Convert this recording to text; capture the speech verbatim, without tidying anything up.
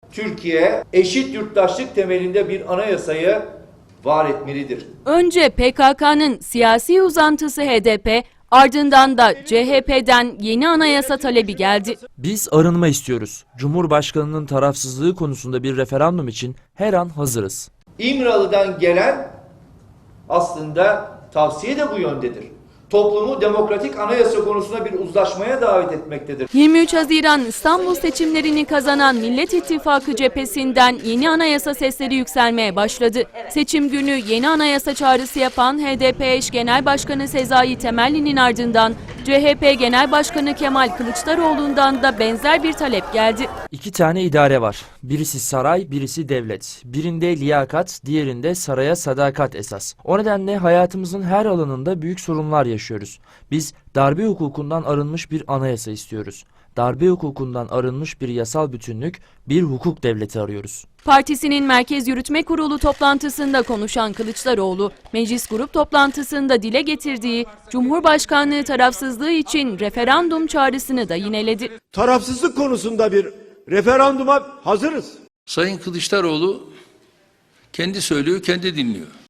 Türkiye eşit yurttaşlık temelinde bir anayasayı var etmelidir. Önce P K K'nın siyasi uzantısı H D P, ardından da C H P'den yeni anayasa talebi geldi. Biz arınma istiyoruz. Cumhurbaşkanının tarafsızlığı konusunda bir referandum için her an hazırız. İmralı'dan gelen aslında tavsiye de bu yöndedir. Toplumu demokratik anayasa konusunda bir uzlaşmaya davet etmektedir. yirmi üç Haziran İstanbul seçimlerini kazanan Millet İttifakı cephesinden yeni anayasa sesleri yükselmeye başladı. Seçim günü yeni anayasa çağrısı yapan H D P eş Genel Başkanı Sezai Temelli'nin ardından C H P Genel Başkanı Kemal Kılıçdaroğlu'ndan da benzer bir talep geldi. İki tane idare var. Birisi saray, birisi devlet. Birinde liyakat, diğerinde saraya sadakat esas. O nedenle hayatımızın her alanında büyük sorunlar yaşıyoruz. Biz darbe hukukundan arınmış bir anayasa istiyoruz. Darbe hukukundan arınmış bir yasal bütünlük, bir hukuk devleti arıyoruz. Partisinin Merkez Yürütme Kurulu toplantısında konuşan Kılıçdaroğlu, meclis grup toplantısında dile getirdiği Cumhurbaşkanlığı tarafsızlığı için referandum çağrısını da yineledi. Tarafsızlık konusunda bir referanduma hazırız. Sayın Kılıçdaroğlu kendi söylüyor, kendi dinliyor.